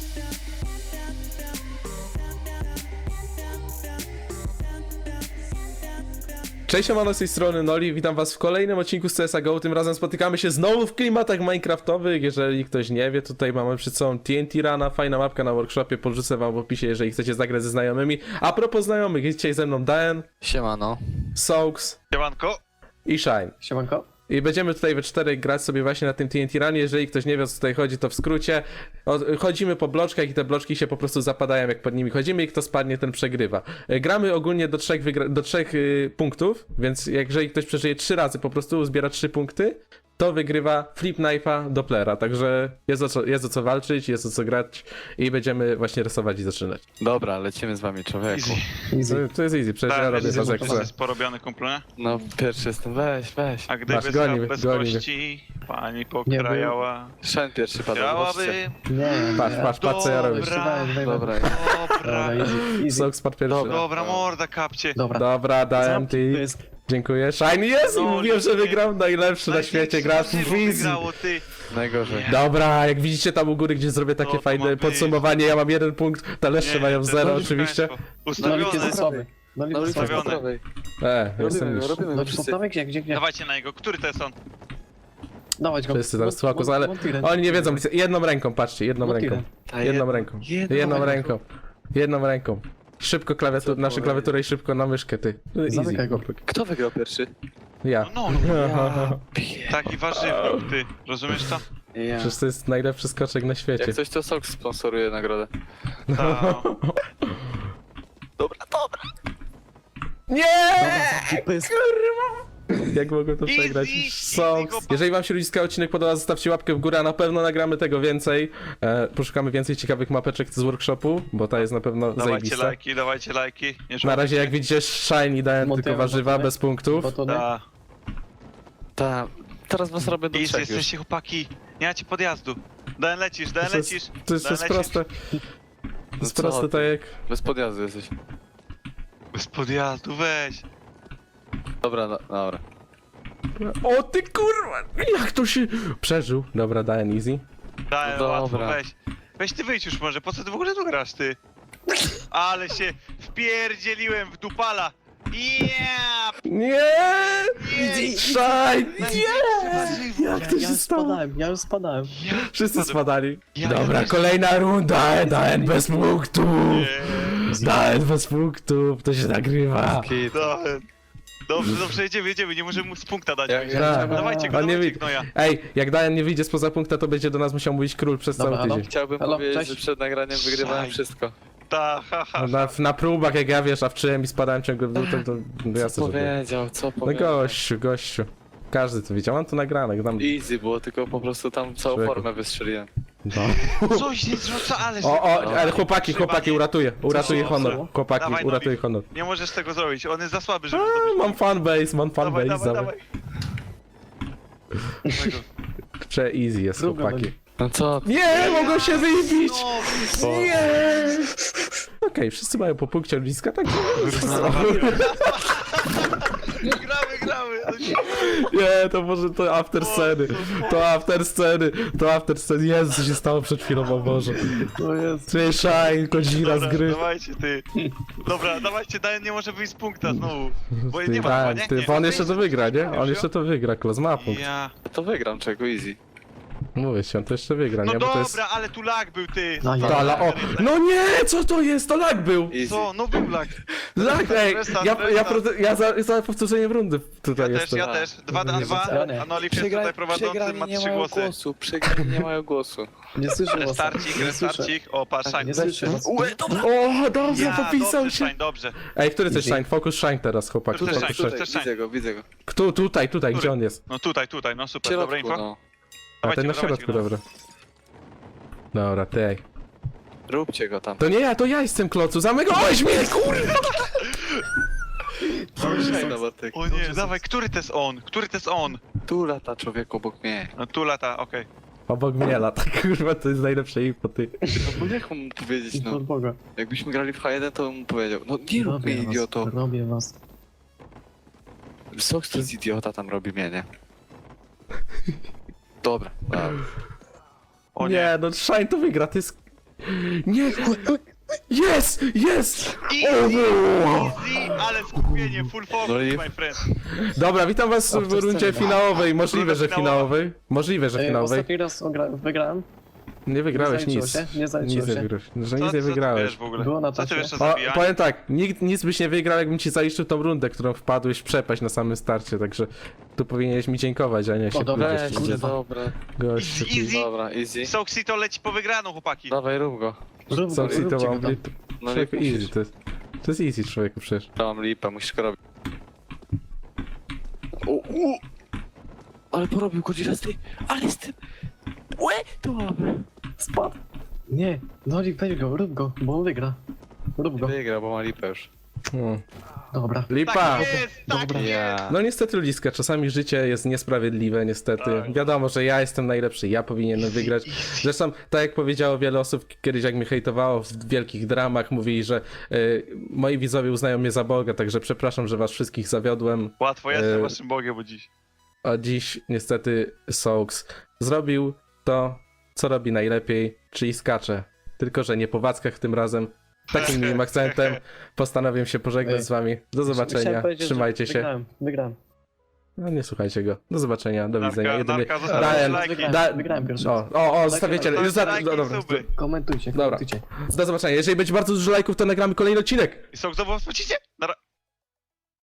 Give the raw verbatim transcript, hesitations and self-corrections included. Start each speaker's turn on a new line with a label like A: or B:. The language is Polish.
A: Cześć, siemano, z tej strony Noli, witam was w kolejnym odcinku z C S G O. Tym razem spotykamy się znowu w klimatach minecraftowych. Jeżeli ktoś nie wie, tutaj mamy przed sobą T N T Runa, fajna mapka na workshopie, podrzucę wam w opisie, jeżeli chcecie zagrać ze znajomymi. A propos znajomych, jest dzisiaj ze mną Daen,
B: Siemano.
A: Soaks
C: Siemanko.
A: i Shine.
D: Siemanko.
A: I będziemy tutaj we czterech grać sobie właśnie na tym T N T Runie. Jeżeli ktoś nie wie, o co tutaj chodzi, to w skrócie. O, chodzimy po bloczkach i te bloczki się po prostu zapadają, jak pod nimi chodzimy i kto spadnie, ten przegrywa. E, Gramy ogólnie do trzech, wygra- do trzech y, punktów, więc jak jeżeli ktoś przeżyje trzy razy, po prostu zbiera trzy punkty, to wygrywa flip knife'a Dopplera. Także jest o, co, jest o co walczyć, jest o co grać i będziemy właśnie rysować i zaczynać.
B: Dobra, lecimy z wami, człowieku.
C: Easy.
D: Easy.
A: To, to jest easy, przecież ja
C: Tak,
A: robię
C: jest,
A: to jak chcę.
C: jest porobiony kumplu, nie?
B: No, pierwszy jestem, weź, weź.
C: A gdyby
A: Masz,
C: Masz,
A: goni mnie,
C: bez
A: goni mnie.
C: kości pani pokrajała,
B: Shen pierwszy padł, zobaczcie.
C: chciałaby...
D: Nie,
A: Patrz, patrz, patrz co ja robię.
C: Dobra.
D: Dobra,
B: Dobra,
C: Dobra,
D: easy, easy.
A: Soaks spadł pierwszy.
B: Dobra.
C: dobra, morda kapcie.
D: Dobra.
A: Dobra, Daen,
D: To
A: ty.
D: jest...
A: Dziękuję. Shiny jest!
C: No,
A: Mówiłem, że
C: dziękuję.
A: wygram najlepszy na świecie, gracz w
C: Największe
A: easy.
C: wygrało, ty.
B: najgorzej.
A: Dobra, jak widzicie tam u góry, gdzie zrobię takie
C: No, to ma
A: fajne
C: być.
A: podsumowanie, ja mam jeden punkt, taleszcze
C: Nie,
A: mają
C: to
A: zero
C: jest
A: oczywiście.
C: państwo.
D: Nolik jest
C: Ustawione.
D: słaby. Nolik
B: No,
D: jest
B: lecimy
D: słaby.
B: po prawej.
A: E, jestem
B: Robimy
A: już.
B: go, robimy go
D: Nolik
B: wszyscy.
D: poprawek? Gdzie, gdzie, gdzie?
C: Dawajcie na jego, który to jest on?
D: Dawać go.
A: Wszyscy teraz
D: Mont-
A: tłakus,
D: mont-
A: ale
D: montirem.
A: oni nie wiedzą, jedną ręką, patrzcie, jedną
D: Montirem.
A: ręką.
B: Ta
A: Jedną
B: jedna-
A: ręką.
B: jedną
A: Jedną
B: ręką.
A: ręką. Jedną ręką. Szybko klawiaturę,
B: Co
A: nasze
B: powiedzieć?
A: klawiaturę i szybko na myszkę, ty. Easy.
D: Zamykaj go.
B: Kto wygrał pierwszy?
A: Ja.
C: No, no, taki warzywnik, ty. Rozumiesz to?
B: Ja.
A: Przecież to jest najlepszy skoczek na świecie.
B: Jak coś, to Sok sponsoruje nagrodę.
C: Ta, no.
B: Dobra, dobra.
A: Nie!
D: To jest...
A: Jak mogę to
C: Easy,
A: przegrać?
C: easy,
A: Soks.
C: chłopak.
A: Jeżeli wam się ludziska odcinek podoba, zostawcie łapkę w górę, a na pewno nagramy tego więcej. E, poszukamy więcej ciekawych mapeczek z workshopu, bo ta jest na pewno
C: Dawajcie
A: zajebista.
C: lajki, dawajcie lajki. Nie
A: Na razie jak widzicie, Shiny dałem
D: Montujemy,
A: tylko warzywa,
D: montujemy.
A: bez punktów.
D: Bo to nie...
C: Ta.
B: Ta. Teraz was robię do
C: Easy,
B: trzech już.
C: jesteście chłopaki. Nie macie podjazdu. Dan lecisz, Dan
A: To jest,
C: lecisz.
A: to jest, to
C: Dan
A: jest
C: lecisz.
A: proste. To
B: No
A: jest
B: co
A: proste,
B: ty?
A: tak jak...
B: Bez podjazdu jesteś.
C: Bez podjazdu, weź.
B: Dobra, no, dobra.
A: O ty kurwa! Jak to się... Przeżył. Dobra, dałem easy.
C: Dałem
B: No
C: łatwo,
B: dobra.
C: weź. Weź ty wyjdź już może, po co ty w ogóle tu grasz, ty? Ale się wpierdzieliłem w dupala. Yeah!
A: Nie! Shine! Nie! Jak to
D: Ja
A: się
D: już
A: stało?
D: spadałem, ja już spadałem.
A: Wszyscy spadali.
C: Ja-
A: Dobra,
C: ja-
A: kolejna runda. Dałem bez punktów.
C: Nie.
A: Dałem bez punktów. To się nagrywa.
B: Kit.
C: Dałem. Dobrze, dobrze, jedziemy, jedziemy, nie możemy mu z punkta dać.
B: Jak-
A: Tak.
C: Dawajcie go,
A: On nie
C: dawajcie
A: widzi.
C: gnoja.
A: Ej, jak Dajan nie wyjdzie spoza punkta, to będzie do nas musiał mówić król przez
D: Dobra,
A: cały
D: no.
A: tydzień.
B: Chciałbym
D: Halo,
B: powiedzieć,
D: cześć.
B: że przed nagraniem wygrywałem
C: Szaj.
B: wszystko.
C: Ta, ha, ha.
A: Na, na próbach, jak ja wiesz, a wczyłem i spadałem ciągle w dół, to, to no
B: Co
A: jasne, że było.
B: powiedział, co
A: No
B: powiedział?
A: gościu, gościu. Każdy to widział, mam to nagrane. Tam...
B: Easy było, tylko po prostu tam całą
A: Człowieku.
B: formę wystrzeliłem.
A: No.
C: Coś nie zrzuca, ale...
A: O, o,
B: No.
A: ale chłopaki, chłopaki, uratuję. Uratuję
C: Co?
A: honor. Chłopaki,
C: Dawaj,
A: uratuję
C: Nowik.
A: honor.
C: Nie możesz tego zrobić, on jest za słaby, żeby
A: A,
C: zdobyć.
A: mam fanbase, mam
C: Dawaj,
A: fanbase.
C: dawaj,
A: Dawaj,
C: dawaj. Dawaj go.
A: Prze easy jest,
D: Druga
A: chłopaki.
D: będzie.
B: No co?
A: Nie, mogą się wybić!
C: No,
A: Nie! Okej, wszyscy mają po punkcie ludziska, tak?
C: gramy, gramy.
A: Nie, to może to after sceny. To after sceny. To after sceny. Jezu, co się stało przed chwilą, o Boże.
D: To jest...
A: Słyszaj, godzina z
C: Dobra,
A: gry.
C: dawajcie, ty. Dobra, dawajcie, Dajan nie może wyjść z punkta znowu. Bo
A: Ty,
C: nie ma
A: tak,
C: chyba, nie?
A: ty,
C: Nie.
A: bo on jeszcze to wygra, nie? On
C: Już,
A: jeszcze to wygra, klos ma punkt.
C: Ja.
B: To wygram czego, easy.
A: Mówię ci, on to jeszcze wygra,
C: No
A: nie? Bo to
C: dobra,
A: jest...
C: ale tu lag był, ty.
D: No, ja-
A: To, ale o... No nie, co to jest? To lag był!
B: Easy.
C: Co? No był lag.
A: Lag, ej!
C: Restart,
A: Ja, ja,
C: restart.
A: prote- ja za, za powtórzeniem rundy tutaj
C: Ja też,
A: jestem.
C: ja też. Dwa na
D: Nie
C: dwa,
D: wracamy.
C: a Nolif jest tutaj prowadzący, ma
B: nie
C: trzy
B: mają
C: głosy.
B: głosu, przegrani nie mają głosu.
D: Nie słyszę was.
C: Restarcik,
D: Nie słyszę.
C: restarcik. O, patrz,
D: Tak,
C: Shine.
D: nie słyszę was.
A: O, dobrze,
C: Ja,
A: popisał
C: dobrze,
A: się.
C: Shine, dobrze.
A: Ej, który to jest Shine? Focus Shine teraz, chłopak.
C: Tutaj,
A: Focus
C: Shine,
A: Shine.
C: tutaj.
B: Tutaj, widzę go, widzę go.
A: Kto, tutaj, tutaj,
C: Który?
A: gdzie on jest?
C: No tutaj, tutaj, no
B: W
C: super, dobre
B: środku,
C: info.
B: no.
A: A
C: Dawajcie
A: ten na
C: go, dawajcie
A: środku,
C: go, no.
A: dobra. Dobra, tej.
B: Róbcie go tam.
A: To nie ja, to ja jestem klocu, zamykałeś mnie, kurwa!
B: Dobrze, no, Bartek.
C: O nie, dawaj, który to jest on? Który to jest on?
B: Tu lata człowiek obok mnie.
C: No tu lata, okej.
A: Obok mnie lata, kurwa, to jest najlepsze info, ty.
B: No bo jak mu powiedzieć,
D: I
B: no.
D: od Boga.
B: Jakbyśmy grali w H jeden, to bym mu powiedział. No nie rób mnie,
D: Robię
B: idioto.
D: was. Robię was.
B: Sox to jest idiota, tam robi mnie, nie? Dobra, dobra.
C: O nie.
A: Nie, no Shine to wygra, to jest... Nie! Jest! Jest!
C: Easy,
A: O!
C: easy, ale skupienie, full focus,
B: No i-
C: my friend.
A: Dobra, witam was
D: O,
A: w
D: to
A: rundzie
D: scena.
A: finałowej. Możliwe,
C: Runda
A: że
C: finałowa.
A: finałowej. Możliwe, że
D: Ej,
A: finałowej.
D: ostatni raz ogra- wygrałem.
A: Nie wygrałeś
D: nie zaliczyło
A: nic.
D: się, nie zaliczyło
A: Nic
D: się.
A: nie wygrałeś. Że
C: Co,
A: nic
C: co
A: nie
C: ty
A: wygrałeś.
C: wiesz w ogóle?
D: Było na
C: Co ty
D: tacie.
C: wiesz o
A: O,
C: zabijaniu?
A: powiem tak, nikt nic byś nie wygrał, jakbym ci zaliczył tą rundę, którą wpadłeś w przepaść na samym starcie, także tu powinieneś mi dziękować, a nie się
D: dobra,
A: kurde,
B: Weź,
A: kurde,
B: dobra.
A: gościu.
C: Easy, easy.
B: Dobra, easy.
C: Soxy to leci po wygraną, chłopaki.
B: Dawaj, rób go.
D: Rób go,
A: Co
D: róbcie
A: to
D: go
A: mam
D: tam.
A: lip?
B: No nie
A: Człowieku,
B: musisz.
A: easy to jest. To jest easy, człowieku, przecież.
B: To mam lipę, musisz go robić. O, u. Ale porobił Godzilla z tej, ale z tym... Łe, to mamy.
D: Spadł. Nie, Nolik, weź go, rób go, bo on wygra. Rób go.
B: Wygrał, bo ma lipę już.
A: No.
D: Dobra.
A: Lipa!
C: Tak jest, tak
D: Dobra.
C: jest.
B: Ja.
A: No niestety ludziska, czasami życie jest niesprawiedliwe, niestety.
C: Tak.
A: Wiadomo, że ja jestem najlepszy, ja powinienem wygrać. Zresztą, tak jak powiedziało wiele osób kiedyś, jak mnie hejtowało w wielkich dramach, mówili, że y, moi widzowie uznają mnie za Boga, także przepraszam, że was wszystkich zawiodłem.
C: Łatwo jestem
A: E,
C: waszym bogiem, bo dziś.
A: A dziś niestety Soaks zrobił to, co robi najlepiej, czyli skacze. Tylko, że nie po wackach tym razem. Takim miłym akcentem postanowię się pożegnać
D: Ej,
A: z wami. Do zobaczenia,
D: Chciałem powiedzieć, że
A: trzymajcie się.
D: Wygrałem, wygrałem.
A: No nie słuchajcie go. Do zobaczenia, do
C: Narka-
A: widzenia. Jedynie...
C: narka, zostawcie
A: Dałem,
C: lajki.
D: Wygrałem,
A: da...
D: wygrałem pierwszy.
A: O, o, o, zostawiacie.
C: Zostawcie
A: Już za...
C: lajki
A: no,
C: i
A: dobra.
C: suby.
D: Komentujcie,
A: Dobra.
D: komentujcie.
A: Do zobaczenia. Jeżeli będzie bardzo dużo lajków, to nagramy kolejny odcinek.
C: I są znowu wrócicie? Nara-